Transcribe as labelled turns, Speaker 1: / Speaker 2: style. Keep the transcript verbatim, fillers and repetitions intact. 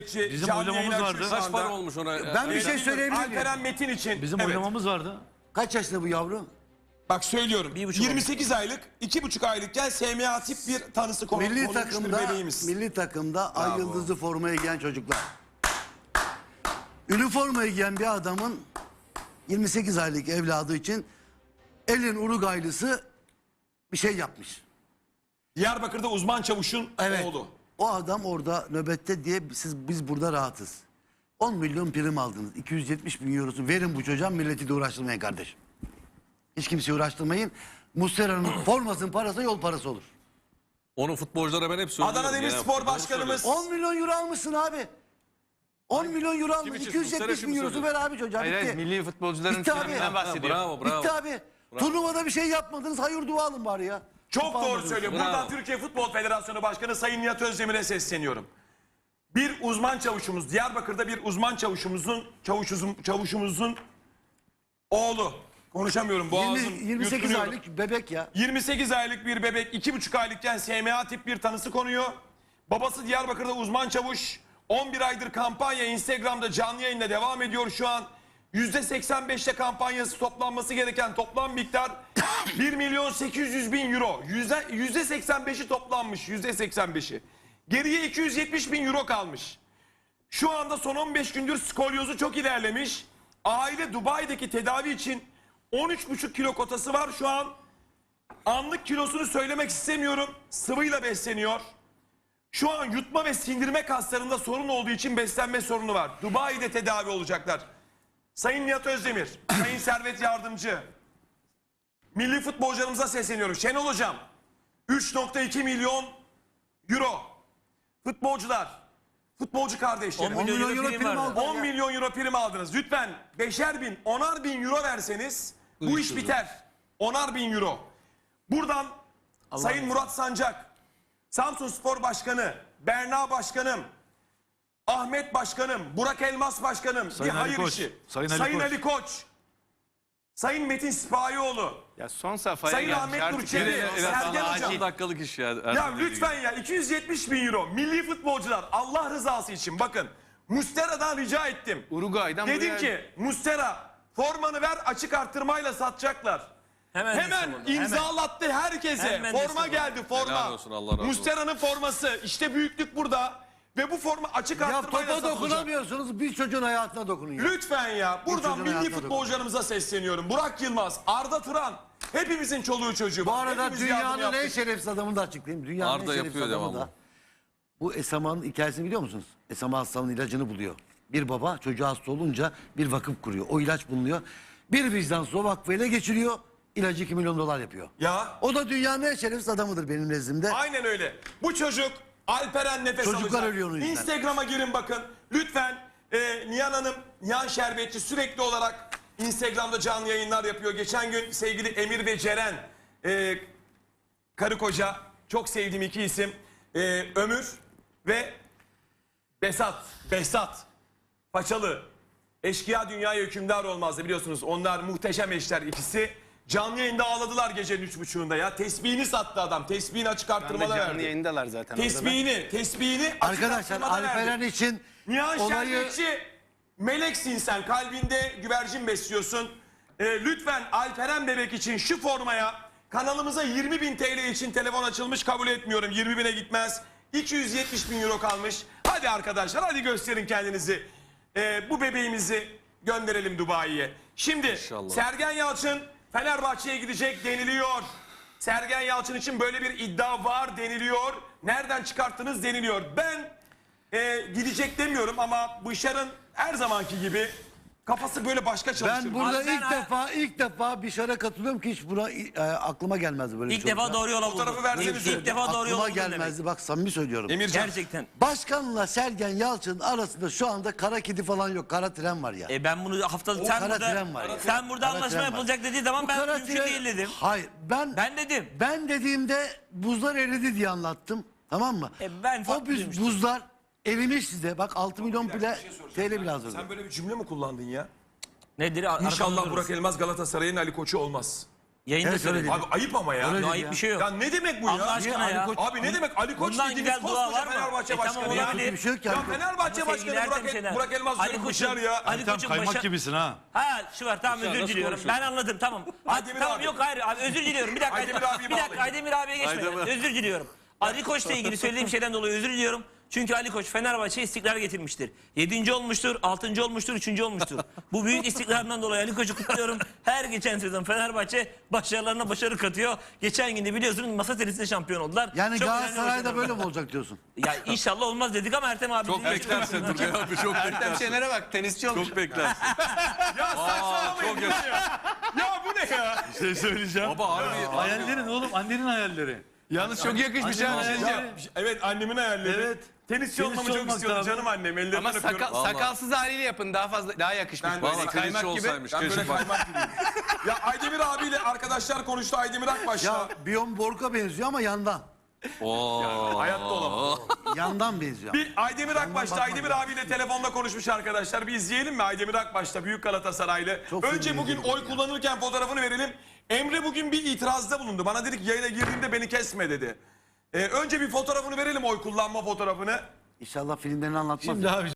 Speaker 1: Bizim
Speaker 2: Canlı
Speaker 1: oylamamız
Speaker 2: yayın
Speaker 1: vardı.
Speaker 2: açmış şu
Speaker 3: Kaç
Speaker 2: anda.
Speaker 3: para olmuş ona?
Speaker 4: Ben bir
Speaker 3: Evet.
Speaker 4: şey söyleyebilir miyim?
Speaker 2: Alperen Metin için.
Speaker 1: Bizim
Speaker 2: evet.
Speaker 1: oylamamız vardı.
Speaker 4: Kaç yaşında bu yavru?
Speaker 2: Bak söylüyorum.
Speaker 5: Bir buçuk
Speaker 2: yirmi sekiz aylık, iki buçuk aylıkken S M A tip bir tanısı konu,
Speaker 4: Milli
Speaker 2: konulmuş bir
Speaker 4: takımda,
Speaker 2: bebeğimiz.
Speaker 4: milli takımda ay yıldızı formaya giyen çocuklar. Üniformayı giyen bir adamın yirmi sekiz aylık evladı için elin Uruguaylısı bir şey yapmış.
Speaker 2: Diyarbakır'da uzman çavuşun
Speaker 4: Evet.
Speaker 2: oğlu.
Speaker 4: O adam orada nöbette diye siz biz burada rahatız. on milyon prim aldınız. iki yüz yetmiş bin eurosu verin bu çocuğa, milleti de uğraştırmayın kardeşim. Hiç kimseyi uğraştırmayın. Muslera'nın formasının parası yol parası olur.
Speaker 3: Onun futbolculara ben hep söylüyorum.
Speaker 2: Adana Demirspor Başkanımız
Speaker 4: on milyon euro almışsın abi. on milyon euro almış.
Speaker 3: için?
Speaker 4: iki yüz yetmiş
Speaker 3: Muslera
Speaker 4: bin
Speaker 3: için mi
Speaker 4: eurosu ver abi çocuğa.
Speaker 5: Hayır,
Speaker 4: bitti.
Speaker 5: hayır, milli futbolcuların
Speaker 4: Bitti abi.
Speaker 5: finalinden
Speaker 3: Ha,
Speaker 5: bahsediyor.
Speaker 3: bravo bravo.
Speaker 4: Bitti abi. Turnuvada bir şey yapmadınız. Hayır dua alın bari ya.
Speaker 2: çok
Speaker 4: Kupa
Speaker 2: doğru
Speaker 4: almadınız.
Speaker 2: söylüyor.
Speaker 3: Bravo.
Speaker 2: Buradan Türkiye Futbol Federasyonu Başkanı Sayın Nihat Özdemir'e sesleniyorum. Bir uzman çavuşumuz, Diyarbakır'da bir uzman çavuşumuzun, çavuşumuzun, çavuşumuzun oğlu. Konuşamıyorum, boğazım
Speaker 4: yirmi, yirmi sekiz
Speaker 2: yutkunuyordu.
Speaker 4: aylık bebek ya.
Speaker 2: yirmi sekiz aylık bir bebek iki buçuk aylıkken S M A tip bir tanısı konuyor. Babası Diyarbakır'da uzman çavuş. on bir aydır kampanya Instagram'da canlı yayında devam ediyor şu an. yüzde seksen beşte kampanyası toplanması gereken toplam miktar bir milyon sekiz yüz bin euro. yüzde seksen beşi toplanmış, yüzde seksen beşi. Geriye iki yüz yetmiş bin euro kalmış. Şu anda son on beş gündür skolyozu çok ilerlemiş. Aile Dubai'deki tedavi için on üç buçuk kilo kotası var şu an. Anlık kilosunu söylemek istemiyorum. Sıvıyla besleniyor. Şu an yutma ve sindirme kaslarında sorun olduğu için beslenme sorunu var. Dubai'de tedavi olacaklar. Sayın Nihat Özdemir, Sayın Servet Yardımcı, milli futbolcularımıza sesleniyorum. Şenol Hocam, üç nokta iki milyon euro. Futbolcular, futbolcu kardeşlerim.
Speaker 4: on milyon euro prim aldı.
Speaker 2: on milyon euro prim aldınız. Lütfen beşer bin, onar bin euro verseniz bu iş biter. Onar bin euro. Buradan Sayın Murat Sancak, Samsunspor Başkanı, Berna Başkanım, Ahmet Başkanım, Burak Elmas Başkanım,
Speaker 1: Sayın
Speaker 2: bir
Speaker 1: Ali
Speaker 2: hayır
Speaker 1: Koç,
Speaker 2: işi.
Speaker 1: Sayın Ali
Speaker 2: Sayın
Speaker 1: Koç.
Speaker 2: Ali Koç, Sayın Metin Sipahioğlu,
Speaker 5: Ya son safhaya
Speaker 2: Sayın
Speaker 5: gelmiş
Speaker 2: Ahmet
Speaker 5: artık.
Speaker 2: Nurçevi,
Speaker 5: Yine-
Speaker 3: Evet,
Speaker 2: Sergen
Speaker 3: Allah,
Speaker 2: Hocam.
Speaker 3: on dakikalık iş ya.
Speaker 2: Ya lütfen ya iki yüz yetmiş bin euro milli futbolcular Allah rızası için bakın Mustera'dan rica ettim.
Speaker 5: Uruguay'dan
Speaker 2: Dedim
Speaker 5: buraya-
Speaker 2: ki Mustera formanı ver açık arttırmayla satacaklar.
Speaker 5: Hemen,
Speaker 2: Hemen imzalattı herkese.
Speaker 5: Hemen
Speaker 2: forma
Speaker 5: destek
Speaker 2: geldi
Speaker 3: Helal
Speaker 2: forma.
Speaker 3: olsun, Allah razı olsun.
Speaker 2: Mustera'nın forması işte büyüklük burada ve bu forma açık
Speaker 4: Ya
Speaker 2: arttırmayla
Speaker 4: topa
Speaker 2: satılacak.
Speaker 4: dokunamıyorsunuz. Bir çocuğun hayatına dokunun ya.
Speaker 2: Lütfen ya buradan
Speaker 4: çocuğun
Speaker 2: milli
Speaker 4: hayatına
Speaker 2: futbolcularımıza sesleniyorum. Burak Yılmaz, Arda Turan hepimizin çoluğu çocuğu.
Speaker 4: Bu arada
Speaker 2: Hepimiz yardım
Speaker 4: dünyanın en
Speaker 2: yaptık.
Speaker 4: şerefsiz adamını da açıklayayım. Dünyanın
Speaker 3: Arda
Speaker 4: en şerefsiz
Speaker 3: yapıyor
Speaker 4: adamı
Speaker 3: devamlı.
Speaker 4: da. Bu Esama'nın hikayesini biliyor musunuz? Esama hastalığının ilacını buluyor. Bir baba çocuğu hasta olunca bir vakıf kuruyor. O ilaç bulunuyor. Bir vicdansız o vakfı ele geçiriyor. İlacı iki milyon dolar yapıyor.
Speaker 2: Ya
Speaker 4: O da dünyanın en şerefsiz adamıdır benim nezdimde.
Speaker 2: aynen öyle. Bu çocuk Alperen nefes
Speaker 4: Çocuklar
Speaker 2: alacak.
Speaker 4: ölüyor onun yüzünden.
Speaker 2: Instagram'a girin bakın. Lütfen e, Nihan Hanım, Nihan Şerbetçi sürekli olarak Instagram'da canlı yayınlar yapıyor. Geçen gün sevgili Emir ve Ceren, e, karı koca, çok sevdiğim iki isim. E, Ömür ve Besat. Besat. Paçalı. Eşkıya dünyaya hükümdar olmazdı biliyorsunuz. Onlar muhteşem eşler ikisi. Canlı yayında ağladılar gecenin üç buçuğunda ya. Tesbihini sattı adam. Tesbihini açık
Speaker 5: Şu anda
Speaker 2: arttırmada
Speaker 5: canlı
Speaker 2: verdi.
Speaker 5: yayındalar zaten. orada.
Speaker 2: Tesbihini, tesbihini açık
Speaker 4: Arkadaşlar
Speaker 2: arttırmada verdi.
Speaker 4: Alperen için
Speaker 2: Nihan
Speaker 4: olayı...
Speaker 2: Şerbetçi, meleksin sen. Kalbinde güvercin besliyorsun. Ee, lütfen Alperen bebek için şu formaya kanalımıza yirmi bin T L için telefon açılmış, kabul etmiyorum. yirmi bine gitmez. iki yüz yetmiş bin euro kalmış. Hadi arkadaşlar hadi gösterin kendinizi. Ee, bu bebeğimizi gönderelim Dubai'ye. Şimdi
Speaker 3: İnşallah.
Speaker 2: Sergen Yalçın Fenerbahçe'ye gidecek deniliyor. Sergen Yalçın için böyle bir iddia var deniliyor. Nereden çıkarttınız deniliyor. Ben e, gidecek demiyorum ama Bışar'ın her zamanki gibi kafası böyle başka çalışır.
Speaker 4: Ben burada
Speaker 5: Alperen-
Speaker 4: ilk defa ilk defa bir şara katılıyorum ki hiç buna e, aklıma gelmezdi böyle bir
Speaker 5: İlk
Speaker 4: şey
Speaker 5: defa
Speaker 4: olacak.
Speaker 5: doğru yola buldun.
Speaker 2: Fotoğrafı versenize.
Speaker 5: İlk, ilk defa doğru
Speaker 4: Aklıma
Speaker 5: yola buldun
Speaker 4: gelmezdi
Speaker 5: demek.
Speaker 4: bak samimi söylüyorum.
Speaker 2: Emircan.
Speaker 5: Gerçekten.
Speaker 4: Başkanla Sergen Yalçın arasında şu anda kara kedi falan yok. Kara tren var ya.
Speaker 5: E ben bunu haftalık
Speaker 4: O
Speaker 5: sen
Speaker 4: kara
Speaker 5: burada
Speaker 4: tren var ya.
Speaker 5: sen burada
Speaker 4: Kara
Speaker 5: anlaşma
Speaker 4: tren var.
Speaker 5: yapılacak dediği zaman
Speaker 4: Bu
Speaker 5: ben
Speaker 4: kara
Speaker 5: mümkün
Speaker 4: tren-
Speaker 5: değil dedim.
Speaker 4: Hayır ben
Speaker 5: Ben dedim.
Speaker 4: ben dediğimde buzlar eridi diye anlattım. Tamam mı?
Speaker 5: E, ben
Speaker 4: o
Speaker 5: farklı
Speaker 4: buz,
Speaker 5: duymuştum.
Speaker 4: buzlar erimiş size. Bak altı milyon bile T L bile hazırdı.
Speaker 2: Sen böyle bir cümle mi kullandın ya?
Speaker 5: Nedir? Ar-
Speaker 2: İnşallah
Speaker 5: arkamda
Speaker 2: Burak
Speaker 5: durursun.
Speaker 2: Elmaz Galatasaray'ın Ali Koç'u olmaz.
Speaker 5: Yayında
Speaker 4: Evet, öyle
Speaker 5: söyledim.
Speaker 4: dedi.
Speaker 2: Abi ayıp ama ya.
Speaker 4: Öyle
Speaker 5: Ya
Speaker 4: dedi
Speaker 5: ayıp
Speaker 4: ya.
Speaker 5: bir şey yok.
Speaker 2: Ya ne demek bu ya?
Speaker 5: Allah aşkına
Speaker 4: Ali
Speaker 5: ya.
Speaker 4: Koç-
Speaker 2: Abi ne demek Ali Koç
Speaker 5: Bundan
Speaker 2: dediğiniz
Speaker 5: güzel dua
Speaker 2: koskoca
Speaker 5: var mı?
Speaker 2: Fenerbahçe
Speaker 5: E tamam,
Speaker 2: Başkanı ya.
Speaker 5: olabilir.
Speaker 4: Bir şey yok ki
Speaker 2: Ya
Speaker 4: Ali Koç.
Speaker 2: Fenerbahçe
Speaker 5: Ama
Speaker 2: Başkanı
Speaker 5: sevgili Ertem
Speaker 2: Burak,
Speaker 5: Şener.
Speaker 2: Burak Elmas
Speaker 5: Ali
Speaker 2: diyorum
Speaker 5: Koç'un-
Speaker 2: Bışar ya.
Speaker 5: Ali
Speaker 1: Tam
Speaker 5: Koç'un
Speaker 1: kaymak
Speaker 5: başa-
Speaker 1: gibisin ha.
Speaker 5: Ha şu var tamam özür
Speaker 3: nasıl
Speaker 5: diliyorum.
Speaker 3: konuşuyorsun?
Speaker 5: Ben anladım tamam. Ha,
Speaker 2: Aydemir
Speaker 5: tamam
Speaker 2: abi.
Speaker 5: yok hayır abi özür diliyorum. Bir dakika.
Speaker 2: Aydemir abiyi
Speaker 5: bir dakika
Speaker 2: bağlayın.
Speaker 5: Aydemir abiye geçmeden
Speaker 3: Aydemir.
Speaker 5: özür diliyorum. Ali Koç'la ilgili söylediğim şeyden dolayı özür diliyorum. Çünkü Ali Koç Fenerbahçe'ye istikrar getirmiştir. Yedinci olmuştur, altıncı olmuştur, üçüncü olmuştur. Bu büyük istikrarından dolayı Ali Koç'u kutluyorum. Her geçen sezon Fenerbahçe başarılarına başarı katıyor. Geçen gün de biliyorsunuz masa tenisinde şampiyon oldular.
Speaker 4: Yani
Speaker 5: Çok önemli
Speaker 4: Galatasaray'da
Speaker 5: başarılar.
Speaker 4: böyle mi olacak diyorsun?
Speaker 5: Ya inşallah olmaz dedik ama Ertem abi.
Speaker 3: Çok
Speaker 5: dedi.
Speaker 3: beklersin Turgay abi çok
Speaker 5: şey şey Ertem
Speaker 3: beklersin.
Speaker 5: Şener'e bak tenisçi olmuş.
Speaker 3: Çok beklersin.
Speaker 2: Ya saçmalamayın
Speaker 3: çok
Speaker 2: ya. Ya bu ne ya?
Speaker 1: Bir şey söyleyeceğim.
Speaker 3: Baba harbi.
Speaker 1: Hayallerin oğlum, annenin hayalleri.
Speaker 5: Yalnız çok yakışmış
Speaker 1: Annenin
Speaker 5: ha.
Speaker 1: hayalleri.
Speaker 2: Evet annemin hayalleri.
Speaker 1: Evet.
Speaker 2: Tenisçi
Speaker 1: Tenisçi
Speaker 2: olmamı çok
Speaker 1: olmak
Speaker 2: istiyordu
Speaker 1: lazım.
Speaker 2: canım annem. Ellerinden
Speaker 5: Ama
Speaker 2: öpüyorum.
Speaker 5: sakal,
Speaker 3: Vallahi.
Speaker 5: sakalsız haliyle yapın daha fazla daha yakışmış.
Speaker 2: Ben
Speaker 5: Böyle
Speaker 3: Valla
Speaker 5: kaymak
Speaker 3: tenisçi
Speaker 5: gibi.
Speaker 3: olsaymış.
Speaker 2: Ben böyle
Speaker 3: Keşke bak.
Speaker 2: kaymak gibiyim. Ya Aydemir abiyle arkadaşlar konuştu. Aydemir Akbaş'la.
Speaker 4: Ya Bjorn Borg'a benziyor ama yandan.
Speaker 3: Oo.
Speaker 2: Hayatta olamaz.
Speaker 4: Yandan benziyor.
Speaker 2: Bir Aydemir Akbaş'ta
Speaker 4: bakma.
Speaker 2: Aydemir abiyle telefonda konuşmuş arkadaşlar. Bir izleyelim mi Aydemir Akbaş'ta Büyük Galatasaraylı?
Speaker 4: Çok
Speaker 2: Önce
Speaker 4: film
Speaker 2: bugün
Speaker 4: izledim
Speaker 2: oy
Speaker 4: ya.
Speaker 2: kullanırken fotoğrafını verelim. Emre bugün bir itirazda bulundu. Bana dedi ki yayına girdiğimde beni kesme dedi. Ee, önce bir fotoğrafını verelim oy kullanma fotoğrafını.
Speaker 4: İnşallah filmlerini anlatmaz.
Speaker 1: Şimdi abi